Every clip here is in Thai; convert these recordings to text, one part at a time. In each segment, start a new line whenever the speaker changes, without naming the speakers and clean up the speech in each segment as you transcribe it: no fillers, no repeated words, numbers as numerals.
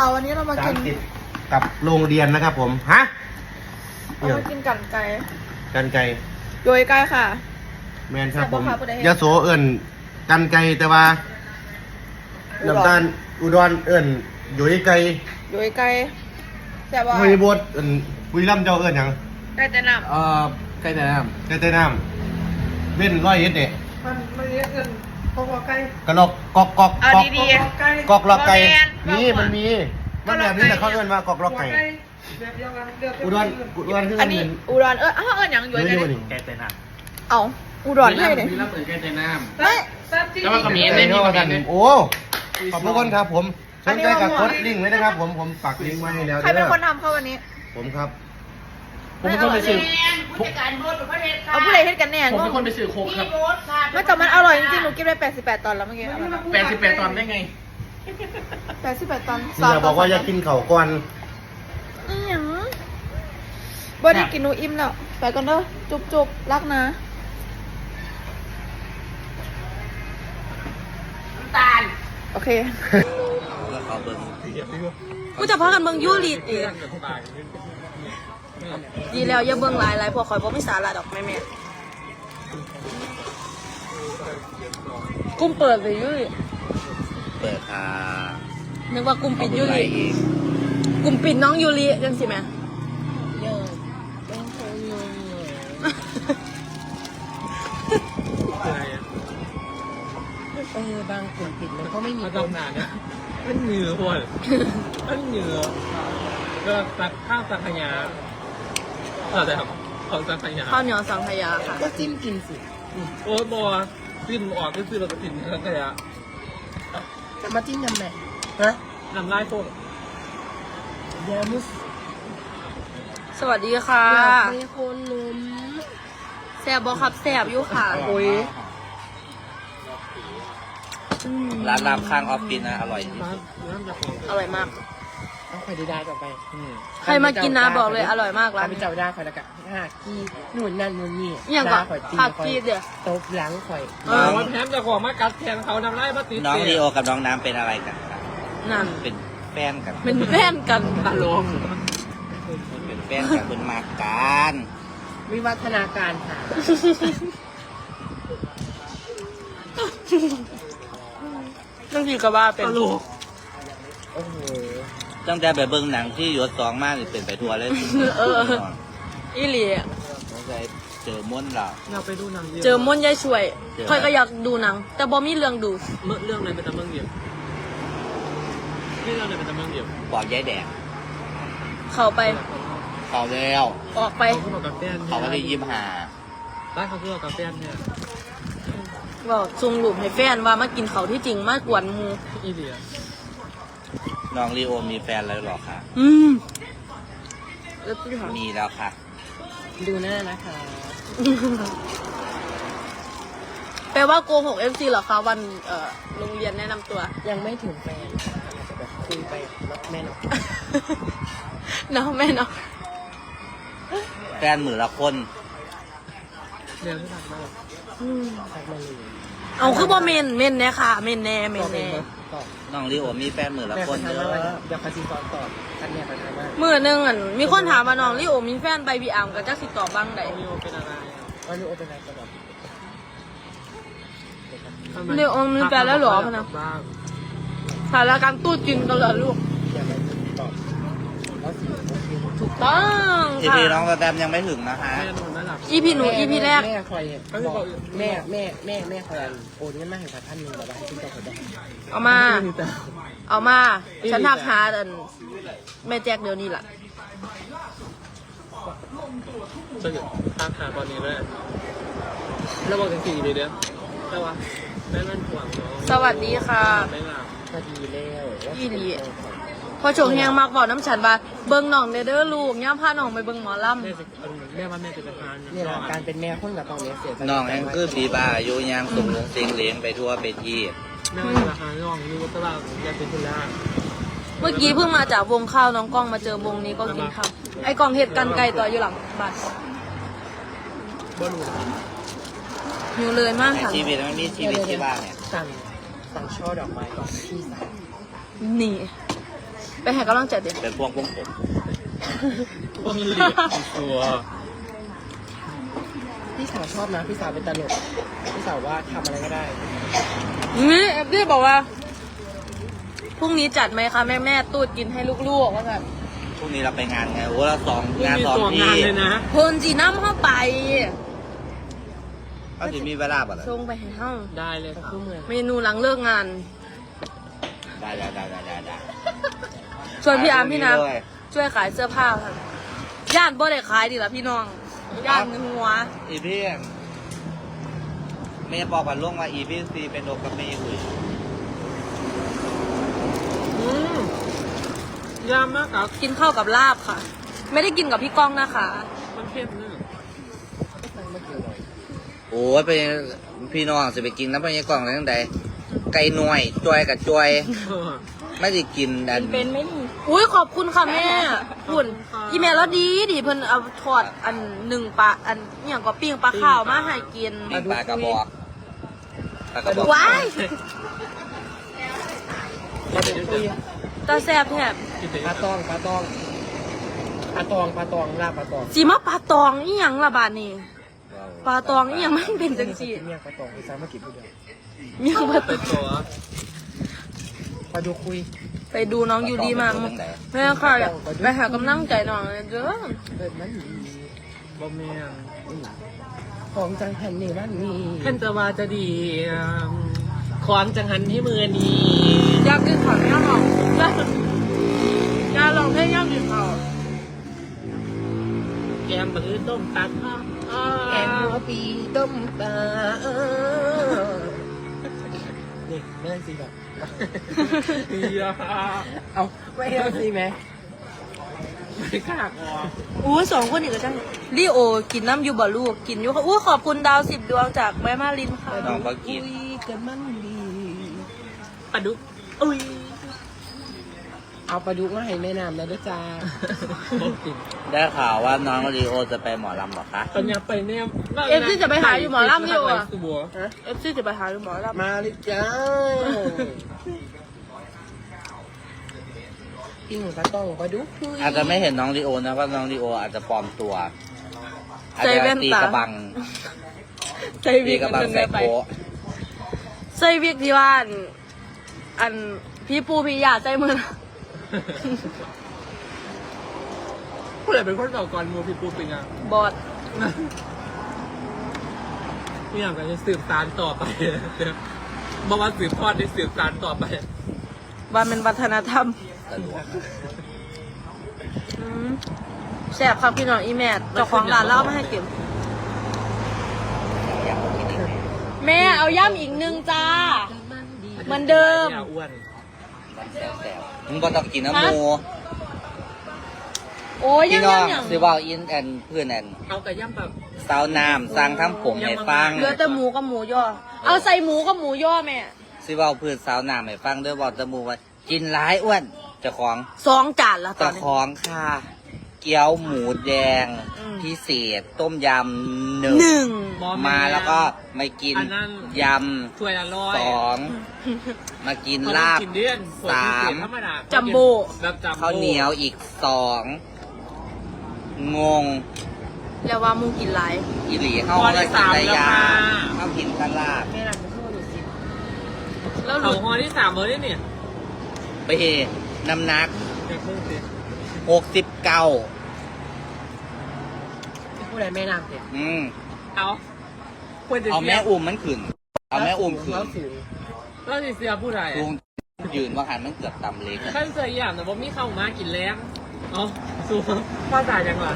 ค่ะวันนี้เรามากิน
ติดกับโรงเรียนนะครับผมฮะ
เรามากินกันไก่
กันไก่
โยยไก่ค่ะ
แมนครับผมยะโสเอิญกันไก่แต่ว่าน้ำตาลอุดรเอิญโยยไก่
โยยไก่แซ่บว่า
ไม่บดเอิญบุรีรัมย์เจ้าเอิญยัง
ไก่แต่น้ำ
ไก่แต่น้ำเว้นร้อยเอ็ดเด็
มันเรียกเงินกอกไก่
กระลอกกอก
ดี
ๆ
กอกลอกไก่นี่มันมีมันแบบนี้แหละเขาเอิญว่ากอกลอกไก่
แบบเดียวกัน
อุดรคือ
อันนี้อุดรอย่างโยยไก่
ไก่แต่น้ำ
เอาอุดรให้เลย
มีรับเหมือนไก่แต่น้ำ
ไม่
แล้วมันก็มีในนี้กัน
โอ้ขอบคุณครับผมสนใจกับกดลิงก์ไว้นะครับผมปักลิงก์ไว้ให้แล้ว
ใครเป็นคนทำเข้าวันนี้
ผมครับ
ผมเป็นคนไปซื้อ
เอาผู้ใดเฮ็ดกันแน่
ผมเป็นคนไปซื้อโค้กครับ
ไม่แต่มันอร่อยจริงๆหนูกินไป88 ตอนแล้วเมื่อกี้
88 ตอนได้ไง
88 ตอน
อย่าบอกว่าอยากกินเข่าก่อน
บ่ได้กินหนูอิ่มแล้วไปก่อนเด้อจุบรักนะตาลโอเคกูจะพากันเบิ่งยูริอีกดีแล้วอย่าเบิ่งหลายพวกข่อยบ่มีสาระดอกแม่กุ้มเปิดเลยยูริ
เปิดค่ะ
นึกว่ากุ้มปิดยูริกุ้มปิดน้องยูริจังสิแม่
บางกลุ่มปิดมันก็ไม่มี
ต้นนานเนี่ยมันเหนือพวกมันเหนือก็ตักข้าวสังขยาแต่ครับของสังขยา
ข้าวเหนียวสังขยาค่ะ
ก็จิ้มกินสิ
โอ้ยบัวจิ้มออกก็คือเราจะกินสังขยา
จะมาจิ้มยำไหนฮะ
นำไล่พวก
ยามุส
สวัสดีค่ะ
มีคนนุ่ม
แซ่บบ่ครับแซ่บอยู่ค่ะโอ้ย
ร้านรามข้างออฟฟิศนะอร่อย
อร่อยมาก
เอาไข่ดีได้ต่อไป
ใครมากินนะบอกเลยอร่อยมากร้าน
ไปเจ้าได้ข่อยละกันกี้นู่นนั่นนู่นนี่
อย่างก่อนผักกี้เดี๋ยว
ตบหลังข่อย
วันแถมจะขอมากัดแทนเขานำไล่มาติด
น้องลีโอกับน้องน้ำเป็นอะไรกันครับ
นั่น
เป็นแฟนกัน
เป็นแฟนกันค่ะ
ลง
เป็นแฟนกันคุณมาการ
วิวัฒนาการค่ะ
เรื่องที่ก็ว่าเป็น
โอ้โห
ตั้งแต่ไปเบิ่งหนังที่ยศสองมากเป็นไปทัวร์เลย
อีหลี
สงสัยเจอม้วนเรา
อยากไปดูหนัง
เจอม้วนยายช่วยค่อยก็อยากดูหนังแต่บอมีเรื่องดู
เรื่องอะไรเป็นตะเมืองเดียวเรื่องอะไรเป็นตะเมืองเดียว
บอกยายแดง
เข้าไป
เขาแล้ว
ออกไป
เขาไม่ได้ยิ้มหา
ร้านเขาเพื่อกาแฟเนี่ย
บอกซุงหลุมให้แฟนว่ามากินเขาที่จริงมากกว่ามู
อีเดีย
น้องลีโอมีแฟนแล้วหรอคะมีแล้วค่ะ
ดูหน้านะคะ
แปลว่าโกหก FC เหรอคะวันโรงเรียนแนะนำตัว
ยังไม่ถึงแฟนอาจจะแบบคุยไปแม่เนาะ
เนาะแม่เนาะ
แฟนมือละคน
เรียนที่ทำมา
เอาคือบ่เมนเนี่ยค่ะเมนแน่
น้องลีโอมีแฟนมือละคนเด้อ
เดี๋ยวคาซิตอนตอบกันเนี่ยไปทำว่า
มือนึงมีคนถามว่าน้องลีโอมีแฟนใบบีอัมกับจักสิตอบบ้างใด
ลีโอเป็นอะไร
ลีโอเป็นอะไรกันแบบ
ลีโอมีแฟนแล้วหรอพนะถ่ายรายการตู้จริงกันเหรอลูกถูกต้อง
ค่ะพี่น้องกระแตมยังไม่ถึงนะคะ
EP หนู EP แรก
แม่คอยแม่คอยโอนเงินมาให้ท่านหนึ่งแบบว่าให้คุณเจ้าคนได้
เอามาฉันทักหาแม่แจ็คเดี๋ยวนี้แหละ
ฉันทักหาตอนนี้เลยแล้วบอกกัน4 ปีเดียวแต่ว่าแม่นั่นห่วงน้อง
สวัสดีค่ะ
ไม่หลับ
พอดีแล้ว
อีหลีพอโฉงแหงมากบอกน้ำฉันว่าเบิ้งน้องเด้อลูกย่าพาน้องไปเบิ้งหมอลำ
แม่ว่าแม่จะไปทาน
นี่แหละการเป็นแม่คนกับตอนนี้เสีย
น้องแองคือปีบ้าโยยามส่งลงเสียงเลี้ยงไปทั่วไปที่
แม่ว่าจะทานน้องรู้ว่าตลาดยาเป็นคนละ
เมื่อกี้เพิ่งมาจากวงข้าวน้องกล้องมาเจอวงนี้ก็กินข้าวไอ้กล้องเห็ดกันไก่ต่ออยู่หลังบ้านหิวเลยมากค่ะ
ชีวิตไม่มีชีวิตที่บ้านเนี่ย
สั่งช่อดอกไม้ก่อนที่สั่ง
นี่ไปให้กำลังใจเด็ก
เป็นพวงผม
พวกเหลี่ยมตัว
พี่สาวชอบนะพี่สาวเป็นตลกพี่สาวว่าทำอะไรก็ได้
นี่เอฟซีบอกว่าพรุ่งนี้จัดไหมคะแม่ตูดกินให้ลูกๆว่าแบบ
พรุ่งนี้เราไปงานไงโอ้เรางาน
มี
สอง
ตัว
ที่
งานเลยนะ
เพนจีน้ำเข้าไป
เขาจะมีเวลาป่ะล่ะ
ส่งไปให้ห้อง
ได้เลย
ก็
ค่ะ
คือเมือง
เมนูหลังเลิกงาน
ได้
ส่วนพี่อาร์มพี่นัท
ด้วย
ช่วยขายเสื้อผ้าค่ะย่านบ่ได้ขายดีละพี่น้องย่านหัว
อีพี่เมย์บอกกันล่วงว่าอีพี่ซีเป็นโดกับเมย์คุย
ยามมากครับ
กินข้าวกับลาบค่ะ ไม่ได้กินกับพี่ก้องนะคะ
มันเข้มเนึง
โอ้ยไปพี่น้องจะไปกินน้ำมันยังกล่องอะไรตั้งแต่ไก่หน่วยจอยกับจอย ไม่ได้กินดัน
เป็นไม่ดีอุ้ยขอบคุณค่ะแม่คุณอีเมลแล้วดีเพิ่นเอาทอดอันหนึ่งปลาอันอย่างก็ปิ้งปลาข้าวมาให้กิน
มีปลากระบอกปลากระบอก
ว้าย
ปลาดุกคุย
ตาแซ่บแทบ
ปลาตองลาบปลาตอง
สีมาปลาตองอีหยังละบาดนี่ปลาตองอีหยังมันเป็นจังซี่
เมียปลาตองพี่สาวมากินผู้เดียว
มีหยังปลาต
เป็
อน ง
ตัว
ปลาดุกคุย
ไปดูน้องอยู่ดีมาแม่ค่ะอยากไปหากำลังใจน้องเลยเด้อ
เปิดมัน
บะเมียง
ของจังหันนี่มันนี่
ท่านจะว่าจะดีความจังหันที่มือนี้
อยากกินข้าวแม่หรอกอยากลองเพลงอยากกินข้าว
แกมมือต้มตัดข้าว
แกงหัวปีต้มปลานี่ไม่ได้สิแบบ
อย่า
เอาไม่ได้สิไหม
ไม่กล้าออก
อู้สองคนอีกก็ใช่ลีโอกินน้ำอยู่บ่ลูกกินอยู่ค่ะอู้ขอบคุณดาว10 ดวงจากแม่มาลินค่ะ
น้องก็กิน
คุยกันมันดี
ปลาดุกอุ้ย
เอาปลาดุกมาให้แม่น้ำแล้วด้วยจ้า
บอกกิน
ได้ข่าวว่าน้องลีโอจะไปหมอลำเหรอคะ
ปัญญาไปเนี่ย
เอฟซีจะไปหาอยู่หมอลำอยู่อ่ะ
สุบัว
เอฟซีจะไปหาอยู่หมอลำ
มาเลยจ้าปิ้งปลาต้องปลาดุกคุย
อาจจะไม่เห็นน้องลีโอนะเพราะน้องลีโออาจจะปลอมตัวอาจ
ใส่
จะ
แว่น
ตี
ตาก
ระบัง
ใส่
ตี
วิก
กระบัง
มัน
ใส่
ไป
โป๊ะ
ใส่วิกที่บ้านอันพี่ปูพี่ยาใส่มือ
ผู้ใหญ่เป็นคนเก่าก่อนมูพี่ปูปิงอ่ะ
บอด
นี่อย่างกันจะสืบสานต่อไปบอกว่าสืบทอดได้สืบสานต่อไป
ว่าเป็นวัฒนธรรม
ตลก
อืมแซ่บครับพี่น้องอีแม่เจ้าของร้านเล่ามาให้กิน
อยากกินอีกไหม
แม่เอาย่ำอีกนึงจ้า เหมือนเดิม
อย่าอ้วน
มันแซวๆมึงก็ต้องกินน้ำหมู
โอ้ย
พี่
ย่ำ
น้อง
ย่ำอย่าง
ซื้อว่าอินแอนเพื่อนแอน
เอาไก่ย่ำแบบ
สาวน้ำสั่งทำผมให้ฟัง
เหลือแต่หมูกับหมูย่อ เอาใส่หมูกับหมูย่อแม่
ซื้อว่าเพื่อนสาวน้ำให้ฟังด้วยบอกตะมูว่ากินร้ายอ้วนเจ้าของ
2 จานละตอ
เจ้าน
นี้
ของค่ะ เกี๊ยวหมูแดง
อืม
พิเศษต้มยำ
หนึ่
1
ง
มาแล้วก็มากิน
อันนั้น
ย
ถ้วยละร้อย
ำ2มากินลาบ
กินเดือน
สาม
ธรรมดา
จัมโบ้
แบบจัมโบ้
ข้าวเหนียวอีก2งง
แล้วว่ามูกินไร
อีหลีเข้า
ห่อ
มา
ที่
กิน
สาม
แต่
แล้ว
ยา
ค่ะ
เข้ากินกันลาบ
แม่น้ำเป็นข้าวหนูสิ
แล้วห
เอา
ลุด
ห่อที่3เลยเนี่ย
ไปน้ำหนัก
เดี๋ยวเพิ่งสิ
69
ที่ผู้ใดแม่น้ำเนี่ย
เอาควรจะ
เอาแม่อุ้มมันขึ้น เอาแม่อุ้มขึ้น
แล้วสูง
แล้วสิเสียผู้ใด
ลุงยืนว่าหันมันเกือบต่ำเล็ก
ท่านเสียอย่างแต่ว่ามีเข้ามากินแรงเอาสู้พ่อตายยังล่ะ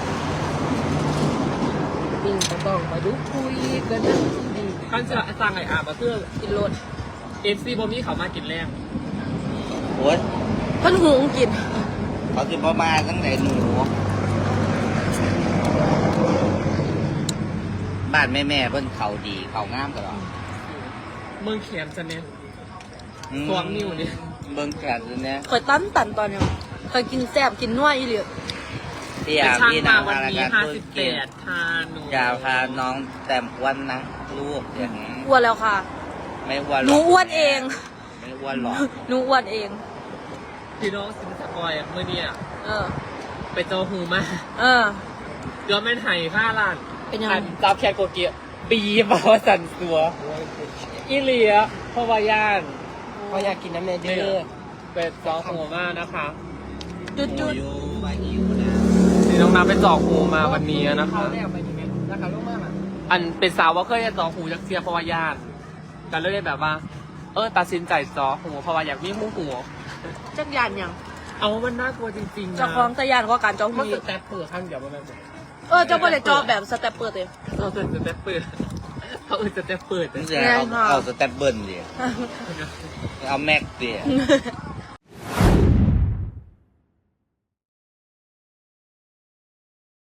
ปิ้งปลาต้องปลาดุกคุยกันมันดี
ท่านจะสั่งไอ้อาบมาเพื่อ
กินรส
FC บ่มีเข้ามากินแรง
โอ้ย
เพิ่นหุงกิน
เขาจะประมาณตั้งแต่หนูบ้านแม่เพิ่นเขาดีเขางามตลอด
เมืองเขียนจะเนี่ย สวมนิ้วนี่
เบิ่งแขนตัวเนี้ย
เคยตันตอนยังเคยกินแซ่บกินนัวอีเหลือ
พี่
เป็น
อา
ช่าง
พี่
มา
นา
วัน
พาราย
นี้
การธุรกิจ
58ทาหนู
อย่าพาน้องแต้มอ้วนนะลูกอย่าง
อ้วนแล้วค่ะ
ไม่อ้วน
หนูอ้วนเอง
ไม่อ้วนหรอก
หนูอ้วนเอง
พ
พี่น้องสินสกอยเมื่อเนี่ย
เออ
ไปเจอหูมา
เออ
เดือนไม่ไห่5 ล้าน
เป็นยังไง
อันจับแคโกเกียปีมาว่าสันสัวอีเลียเพราะว่าย่าน
เขาอยากกินน้ำเนเดอร์
เป็นจอหูมากนะคะ
จุด
นี่น้องน้ำไปจอหูมาวันนี้นะคะ
เขาได้เอาไปดีไหมราคาลูกมากอ่ะ
อันเป็นสาวว่าเคยจะจอหูจากเสียเพราะว่าย่านแต่เลยแบบว่า ตัดสินใจจอหูเพราะว่าอยากมีหู
จักยานยัง
เอามันน่ากลัวจริงๆนะ
เจ้าของตะยานก็การจอง
มัน
มี
สแตปเปอร์ข้างเดียวมันแบบ
เจ้าบ่ได้จอแบบสเต็ปเปิดเลย
เราจะสเต็ปเปิดเขาจะสเต็ปเปิด
นี่จะเอาสแตปเบิลดิเอาแม็กดิ